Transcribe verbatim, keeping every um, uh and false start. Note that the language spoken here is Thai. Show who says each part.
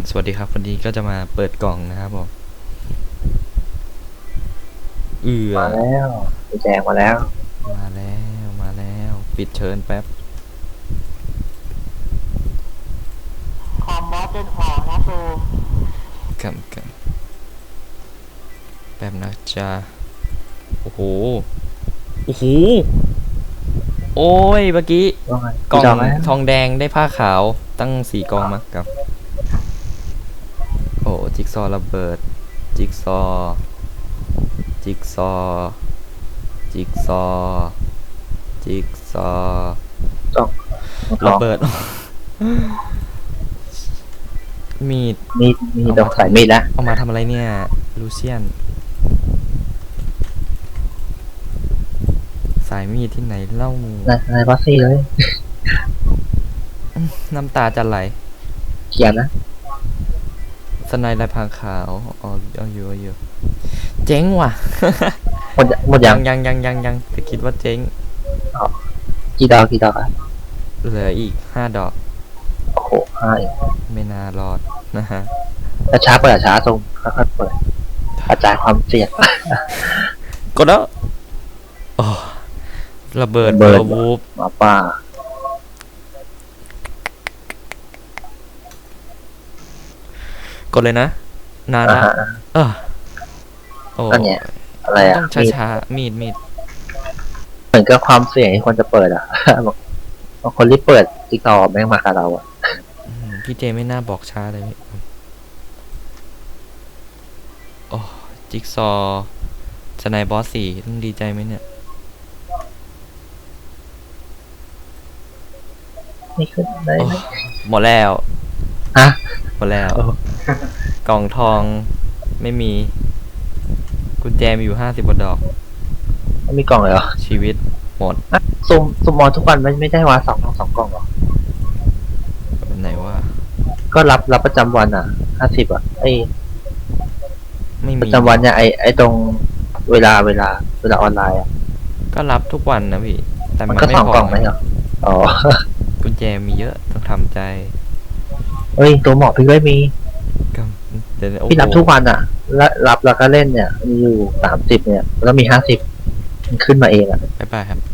Speaker 1: สวัสดีครับวันนี้ก็จะมาเปิดกล่องนะครับผมเอือ
Speaker 2: มาแล้วกุญแจมาแล้ว
Speaker 1: มาแล้วมาแล้วปิดเชิญแป๊บ
Speaker 3: คอมบอสจนหอนะซูม
Speaker 1: กันกันแป๊บนะจ๊ะโอ้โหโอ้โหโอ้ยเมื่อกี้
Speaker 2: ว่าไง
Speaker 1: กล่อง
Speaker 2: จอไหม
Speaker 1: ทองแดงได้ผ้าขาวตั้งสี่กล่องมากับโอ้จิ๊กซอว์ระเบิดจิ๊กซอว์จิ๊กซอว์จิ๊กซอว์จิ๊กซอว์
Speaker 2: จองท
Speaker 1: ระ
Speaker 2: อง
Speaker 1: เบิด มีด
Speaker 2: มีดมีดอกสายมีดแล้ว
Speaker 1: เอามาทำอะไรเนี่ยลูเซียนสายมีดที่ไหนเล่า
Speaker 2: ในในบัสซี่เลย
Speaker 1: น้ำตาจะไหล
Speaker 2: เขียนนะ
Speaker 1: สไนลายพรางขาวอ๋อเอาอยู่เอาอยู่เจ๊งว่ะ
Speaker 2: หมดหมดยั
Speaker 1: ยัง งยังยังยังยังแต่คิดว่าเจ๊ง
Speaker 2: กี่ดอกกี่ดอกอ่ะ
Speaker 1: เหลืออีกห้าดอก
Speaker 2: โอ้โหห้าเอง
Speaker 1: ไม่น่ารอดนะฮะ
Speaker 2: แต่ช้าเปิดช้าตรงค่อยๆเปิดกระจายความเสี่ยง
Speaker 1: กดแล้วโอ้ระเบิด
Speaker 2: ระเบิด
Speaker 1: วูบ
Speaker 2: หมาป่า
Speaker 1: กดเลยนะ นาน
Speaker 2: อ่า
Speaker 1: ละ
Speaker 2: ฮะ
Speaker 1: เออโอ้
Speaker 2: ก็เนี่ย อะไรอ่ะ
Speaker 1: ต้อง
Speaker 2: มีด
Speaker 1: ช้าๆมีดมีด
Speaker 2: เหมือนกับความเสี่ยงที่คนจะเปิดอ่ะ บอกบางคนรีบเปิดติ๊กต็อกแม่งมากับเราอ่ะ
Speaker 1: อืมพี่เจไม่น่าบอกช้าเลยพี่โอ้จิ๊กซอว์สไนบอสสี่ต้องดีใจไหมเนี่ย
Speaker 2: นี่ขึ้นได้ไหม
Speaker 1: หมดแล้ว
Speaker 2: ฮะ
Speaker 1: หมดแล้ว
Speaker 2: โอ้
Speaker 1: กล่องทองไม่มี กุญแจมีอยู่ห้าสิบกว่าดอก
Speaker 2: ไม่มีกล่องเลยเหรอ
Speaker 1: ชีวิตหมด
Speaker 2: อ่ะซุ่มซุ่มมอนทุกวันไม่ไม่ได้ว่าสองสองกล่องเหรอ
Speaker 1: ไหนว่า
Speaker 2: ก็รับรับประจำวันอ่ะห้าสิบอ่ะไอ
Speaker 1: ไม่
Speaker 2: ประ
Speaker 1: มี
Speaker 2: จำวันเนี่ยไอไอตรงเวลาเวลาเวลาออนไลน์อ่ะ
Speaker 1: ก็รับทุกวันนะพี่ แต่
Speaker 2: มั
Speaker 1: มัน น
Speaker 2: ก็
Speaker 1: ไม่
Speaker 2: สอง
Speaker 1: พอก
Speaker 2: ล่องไหมเหรออ๋อ
Speaker 1: กุญแจมีเยอะต้องทำใจ
Speaker 2: เฮ้ยตัวหมอพี่ไม่มี
Speaker 1: ก็เดี๋ยวโอ้
Speaker 2: พี่รับ
Speaker 1: โห
Speaker 2: ทุกวันอ่ะ แล้วรับแล้วก็เล่นเนี่ยมีอยู่สามสิบเนี่ยแล้วมีห้าสิบมันขึ้นมาเองอ่ะ
Speaker 1: บ๊ายบายครับ